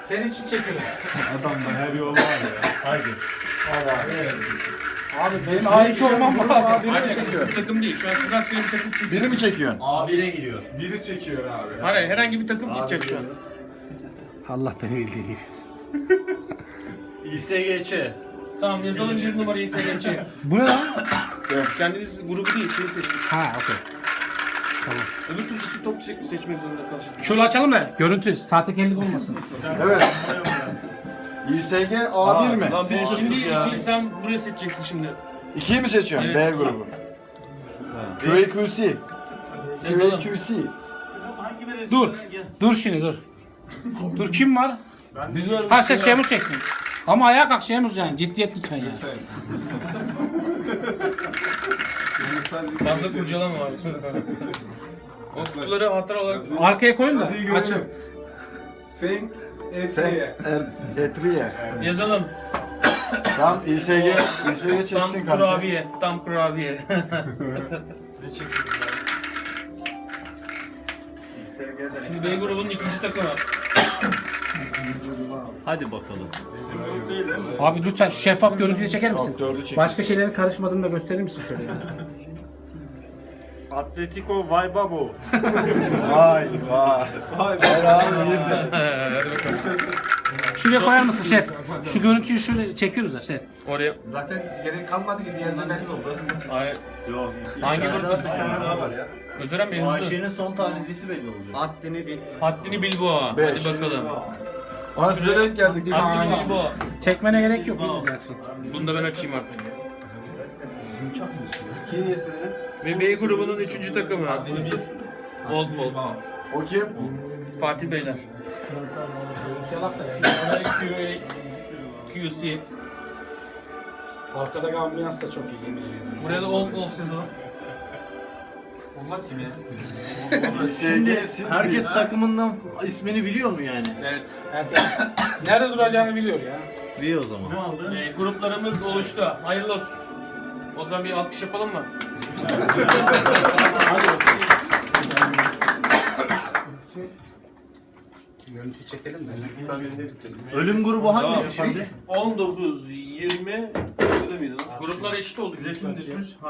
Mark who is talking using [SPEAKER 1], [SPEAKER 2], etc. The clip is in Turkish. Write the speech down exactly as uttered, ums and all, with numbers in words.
[SPEAKER 1] Senin için çekiyoruz.
[SPEAKER 2] Adamda her yol var ya.
[SPEAKER 3] Haydi.
[SPEAKER 1] Abi benim ait olmam lazım.
[SPEAKER 4] Biri mi
[SPEAKER 5] Hayır,
[SPEAKER 4] çekiyor?
[SPEAKER 5] bizim takım değil. Şu an siz rastgele bir takım çekiyor.
[SPEAKER 4] Biri mi çekiyorsun?
[SPEAKER 3] A bire giriyor.
[SPEAKER 2] Biri çekiyor abi.
[SPEAKER 5] Hayır, herhangi bir takım çıkacak şu an.
[SPEAKER 1] Allah beni bildiği gibi.
[SPEAKER 3] İ S G Ç.
[SPEAKER 5] Tamam, yazalım bir numarayı seyredeceğim.
[SPEAKER 1] Bu ne lan?
[SPEAKER 5] Kendiniz grubu değil, şeyi seçtik.
[SPEAKER 1] Ha okey.
[SPEAKER 5] Öbür türlü iki top seç- seçmek zorunda kalacak.
[SPEAKER 1] Şöyle açalım da görüntü sahtekarlık olmasın.
[SPEAKER 4] Evet. İ S G A bir mi?
[SPEAKER 5] Lan biz
[SPEAKER 3] Bozuktuk
[SPEAKER 5] şimdi
[SPEAKER 3] ya.
[SPEAKER 5] iki, sen buraya seçeceksin şimdi.
[SPEAKER 4] ikiyi mi seçiyorsun?
[SPEAKER 5] Evet.
[SPEAKER 4] B grubu. Q A Q C. Q A
[SPEAKER 5] Yazalım.
[SPEAKER 4] Q C.
[SPEAKER 3] Hangi verirsin?
[SPEAKER 1] Dur. Dur şimdi dur. Dur kim var?
[SPEAKER 2] Biz varız.
[SPEAKER 1] Ha sen Şemuz çeksin. Ama ayağa kalk Şemuz yani. Ciddiyet lütfen ya.
[SPEAKER 5] Fazla kurcalama var. O kutuları hatıra olarak...
[SPEAKER 1] Arkaya koyun da.
[SPEAKER 2] Yazıyı
[SPEAKER 1] Açın.
[SPEAKER 2] görelim. Saint
[SPEAKER 4] Sen
[SPEAKER 2] Etriye.
[SPEAKER 4] er, Etriye.
[SPEAKER 5] Yazalım.
[SPEAKER 4] Tamam İ S G. İ S G
[SPEAKER 5] Tam
[SPEAKER 4] çeksin kanka.
[SPEAKER 5] kurabiye. Tam kurabiye. Şimdi B grubunun ikinci takımı.
[SPEAKER 3] Hadi bakalım.
[SPEAKER 1] Abi lütfen şu şeffaf görüntüyü çeker misin?
[SPEAKER 4] Yok, dördü çek.
[SPEAKER 1] Başka şeylerin karışmadığını da gösterir misin şöyle ya?
[SPEAKER 3] Atletico Vaybabo.
[SPEAKER 4] Vay vay. Vay abi iyisin.
[SPEAKER 5] Hadi bakalım.
[SPEAKER 1] Şuraya koyar mısın şef? Şu görüntüyü şöyle çekiyoruz da şef.
[SPEAKER 5] Oraya.
[SPEAKER 4] Zaten gerek kalmadı ki diğerinde belli oldu.
[SPEAKER 5] Hayır.
[SPEAKER 3] Yok.
[SPEAKER 5] Hangi grup?
[SPEAKER 2] daha var ya.
[SPEAKER 5] Özürem Bey hızlı.
[SPEAKER 3] Ayşe'nin son talihlisi belli olacak.
[SPEAKER 4] Haddini bil.
[SPEAKER 5] Haddini Bilboğa.
[SPEAKER 4] Beş.
[SPEAKER 5] Hadi bakalım.
[SPEAKER 4] Ama size denk geldik.
[SPEAKER 5] Haddini Bilboğa.
[SPEAKER 1] Çekmene gerek yok. Biz izlersin.
[SPEAKER 5] Bunu da ben açayım artık.
[SPEAKER 2] İkiyi niye sileriz?
[SPEAKER 5] Ve B grubunun üçüncü takımı. Old Wolf.
[SPEAKER 4] O kim?
[SPEAKER 5] Fatih Beyler. Bunlar Q A Q C.
[SPEAKER 1] Arkada ambiyans da çok iyi yemin ediyorum.
[SPEAKER 5] Buraya da Old Wolf yazalım.
[SPEAKER 3] Onlar kim ya?
[SPEAKER 4] İ S G siz
[SPEAKER 3] Herkes takımından ismini biliyor mu yani?
[SPEAKER 5] Evet.
[SPEAKER 1] Evet. Nerede duracağını biliyor ya.
[SPEAKER 3] Biliyor o zaman. Ne oldu?
[SPEAKER 5] E, gruplarımız oluştu. Hayırlı olsun. O zaman bir alkış yapalım mı?
[SPEAKER 1] Görüntüyü çekelim de.
[SPEAKER 3] Ölüm grubu hangisi şimdi?
[SPEAKER 2] on dokuz, yirmi, şurada mıydı lan?
[SPEAKER 5] Gruplar eşit oldu.
[SPEAKER 2] Zeytin düşmüş.